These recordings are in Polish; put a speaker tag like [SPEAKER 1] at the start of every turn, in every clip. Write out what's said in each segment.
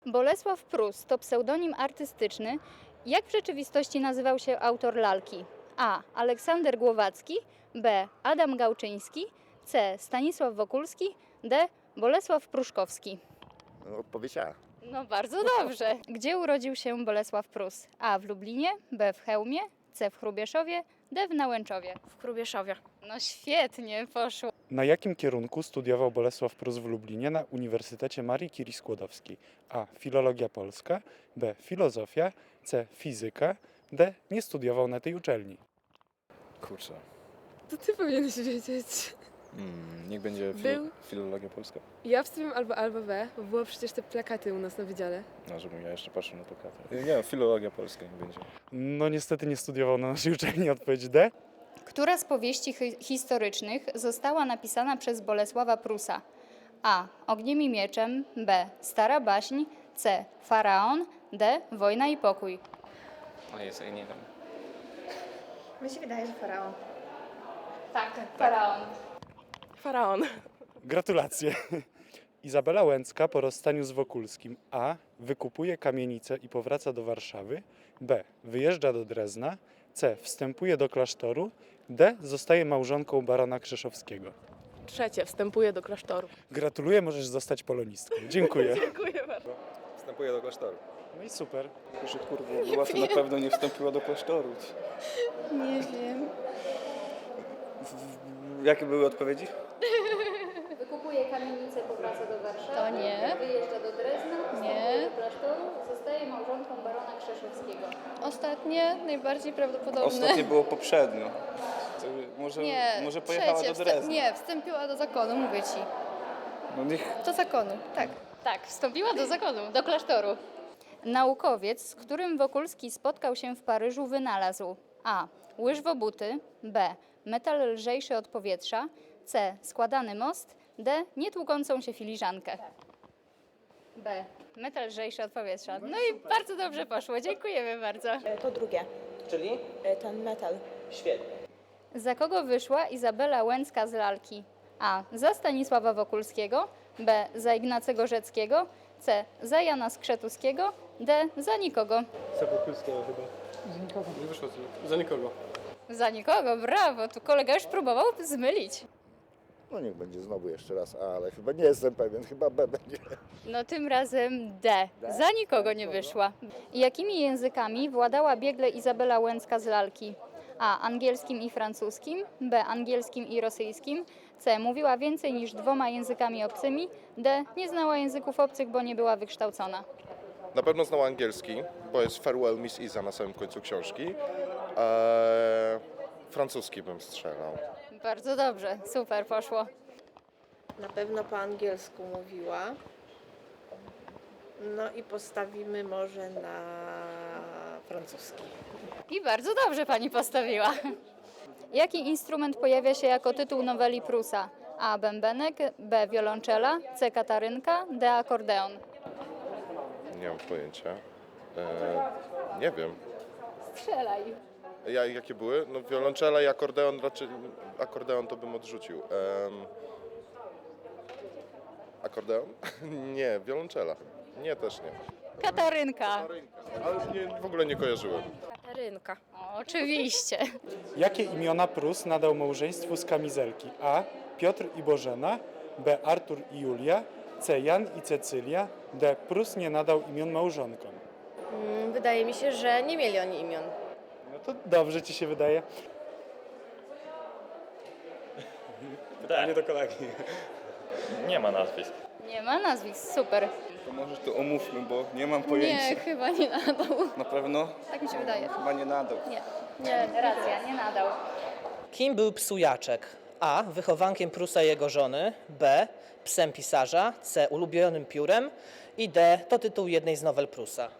[SPEAKER 1] Bolesław Prus to pseudonim artystyczny. Jak w rzeczywistości nazywał się autor lalki? A. Aleksander Głowacki, B. Adam Gałczyński, C. Stanisław Wokulski, D. Bolesław Pruszkowski.
[SPEAKER 2] Odpowiedź A.
[SPEAKER 1] No bardzo dobrze. Gdzie urodził się Bolesław Prus? A. W Lublinie, B. w Chełmie, C. w Hrubieszowie, D. w Nałęczowie.
[SPEAKER 3] W Hrubieszowie.
[SPEAKER 1] No świetnie poszło.
[SPEAKER 4] Na jakim kierunku studiował Bolesław Prus w Lublinie na Uniwersytecie Marii Curie Skłodowskiej? A. Filologia polska, B. Filozofia, C. Fizyka, D. Nie studiował na tej uczelni.
[SPEAKER 5] Kurczę.
[SPEAKER 6] To ty powinieneś wiedzieć.
[SPEAKER 5] Niech będzie
[SPEAKER 6] Był?
[SPEAKER 5] filologia polska.
[SPEAKER 6] Ja wstawiam albo B, bo było przecież te plakaty u nas na wydziale.
[SPEAKER 5] No, żebym ja jeszcze patrzył na plakaty. Nie, filologia polska niech będzie.
[SPEAKER 4] No niestety nie studiował na naszej uczelni. Odpowiedź D.
[SPEAKER 1] Która z powieści historycznych została napisana przez Bolesława Prusa? A. Ogniem i mieczem, B. Stara baśń, C. Faraon, D. Wojna i pokój.
[SPEAKER 7] O Jezu, ja nie wiem.
[SPEAKER 3] Mi się wydaje, że faraon.
[SPEAKER 1] Tak, Faraon.
[SPEAKER 6] Faraon.
[SPEAKER 4] Gratulacje. Izabela Łęcka po rozstaniu z Wokulskim A. Wykupuje kamienicę i powraca do Warszawy, B. Wyjeżdża do Drezna, C. Wstępuje do klasztoru, D. Zostaje małżonką barona Krzeszowskiego.
[SPEAKER 6] Trzecie, wstępuje do klasztoru.
[SPEAKER 4] Gratuluję, możesz zostać polonistką. Dziękuję.
[SPEAKER 6] Dziękuję bardzo.
[SPEAKER 5] Wstępuję do klasztoru.
[SPEAKER 4] No i super.
[SPEAKER 5] Proszę kurwa, była to na pewno nie wstąpiła do klasztoru.
[SPEAKER 3] Nie wiem.
[SPEAKER 5] Jakie były odpowiedzi?
[SPEAKER 1] Wykupuje kamienicę, powraca do Warszawy.
[SPEAKER 3] To nie.
[SPEAKER 1] Wyjeżdża do Drezna,
[SPEAKER 3] Nie.
[SPEAKER 1] do klasztoru, zostaje małżonką barona Krzeszowskiego.
[SPEAKER 3] Ostatnie, najbardziej prawdopodobne.
[SPEAKER 5] Ostatnie było poprzednio. To może pojechała
[SPEAKER 3] trzecie,
[SPEAKER 5] do Drezna.
[SPEAKER 3] Nie, wstąpiła do zakonu, mówię ci.
[SPEAKER 5] No niech...
[SPEAKER 3] Do zakonu, tak.
[SPEAKER 1] Tak, wstąpiła do zakonu, do klasztoru. Naukowiec, z którym Wokulski spotkał się w Paryżu, wynalazł A. Łyżwobuty, B. Metal lżejszy od powietrza, C. Składany most, D. Nietłukącą się filiżankę. B. Metal lżejszy od powietrza. No i bardzo dobrze poszło, dziękujemy bardzo.
[SPEAKER 8] To drugie,
[SPEAKER 7] Czyli?
[SPEAKER 8] ten metal.
[SPEAKER 7] Świetnie.
[SPEAKER 1] Za kogo wyszła Izabela Łęcka z lalki? A. Za Stanisława Wokulskiego, B. Za Ignacego Rzeckiego, C. Za Jana Skrzetuskiego, D. Za nikogo.
[SPEAKER 9] Za Wokulskiego chyba. Nie wyszło za nikogo.
[SPEAKER 1] Za nikogo, brawo, tu kolega już próbował zmylić.
[SPEAKER 2] No niech będzie znowu jeszcze raz A, ale chyba nie jestem pewien, chyba B będzie.
[SPEAKER 1] No tym razem D. Za nikogo nie wyszła. Jakimi językami władała biegle Izabela Łęcka z lalki? A. Angielskim i francuskim, B. Angielskim i rosyjskim, C. Mówiła więcej niż 2 językami obcymi, D. Nie znała języków obcych, bo nie była wykształcona.
[SPEAKER 10] Na pewno znała angielski, bo jest Farewell Miss Iza na samym końcu książki. Francuski bym strzelał.
[SPEAKER 1] Bardzo dobrze, super poszło.
[SPEAKER 8] Na pewno po angielsku mówiła. No i postawimy może na francuski.
[SPEAKER 1] I bardzo dobrze pani postawiła. Jaki instrument pojawia się jako tytuł noweli Prusa? A. Bębenek, B. Wiolonczela, C. Katarynka, D. Akordeon.
[SPEAKER 10] Nie mam pojęcia. Nie wiem.
[SPEAKER 1] Strzelaj.
[SPEAKER 10] Jakie były? No wiolonczela i akordeon, raczej akordeon to bym odrzucił. Akordeon? Nie, wiolonczela. Nie, też nie.
[SPEAKER 1] Katarynka.
[SPEAKER 10] Ale w ogóle nie kojarzyłem.
[SPEAKER 3] Katarynka.
[SPEAKER 1] O, oczywiście.
[SPEAKER 4] Jakie imiona Prus nadał małżeństwu z kamizelki? A. Piotr i Bożena, B. Artur i Julia, C. Jan i Cecylia, D. Prus nie nadał imion małżonkom.
[SPEAKER 3] Wydaje mi się, że nie mieli oni imion.
[SPEAKER 4] No to dobrze ci się wydaje.
[SPEAKER 9] Pytanie do kolegi.
[SPEAKER 7] Nie ma nazwisk.
[SPEAKER 1] Nie ma nazwisk, super.
[SPEAKER 5] To może to omówmy, bo nie mam pojęcia.
[SPEAKER 3] Nie, chyba nie nadał.
[SPEAKER 5] Na pewno?
[SPEAKER 3] Tak mi się wydaje.
[SPEAKER 5] Chyba nie nadał.
[SPEAKER 3] Nie.
[SPEAKER 1] Racja, nie nadał.
[SPEAKER 11] Kim był Psujaczek? A. Wychowankiem Prusa i jego żony. B. Psem pisarza. C. Ulubionym piórem. I D. To tytuł jednej z nowel Prusa.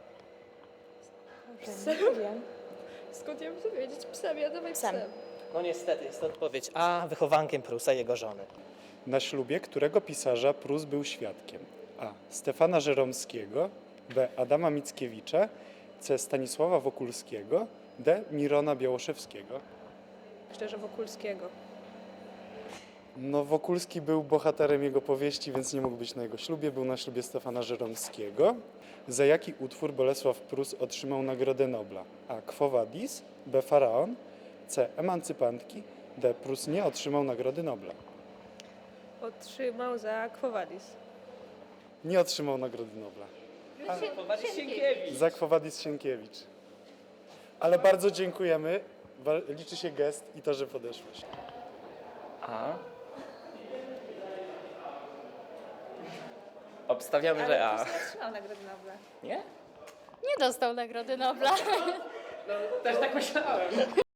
[SPEAKER 6] Skąd ja bym to wiedzieć? Psem, ja dawaj psem.
[SPEAKER 11] No niestety, jest to odpowiedź A. Wychowankiem Prusa i jego żony.
[SPEAKER 4] Na ślubie którego pisarza Prus był świadkiem? A. Stefana Żeromskiego, B. Adama Mickiewicza, C. Stanisława Wokulskiego, D. Mirona Białoszewskiego.
[SPEAKER 6] Szczerze, Wokulskiego.
[SPEAKER 4] No, Wokulski był bohaterem jego powieści, więc nie mógł być na jego ślubie. Był na ślubie Stefana Żeromskiego. Za jaki utwór Bolesław Prus otrzymał Nagrodę Nobla? A. Quo Vadis, B. Faraon, C. Emancypantki, D. Prus nie otrzymał Nagrody Nobla.
[SPEAKER 8] Otrzymał za Quo Vadis.
[SPEAKER 4] Nie otrzymał Nagrody Nobla. Za Quo Vadis Sienkiewicz. Ale bardzo dziękujemy. Liczy się gest i to, że podeszłeś.
[SPEAKER 7] A. Obstawiamy, że A.
[SPEAKER 8] Otrzymał Nagrodę Nobla.
[SPEAKER 7] Nie?
[SPEAKER 1] Nie dostał Nagrody Nobla.
[SPEAKER 7] Też tak myślałem.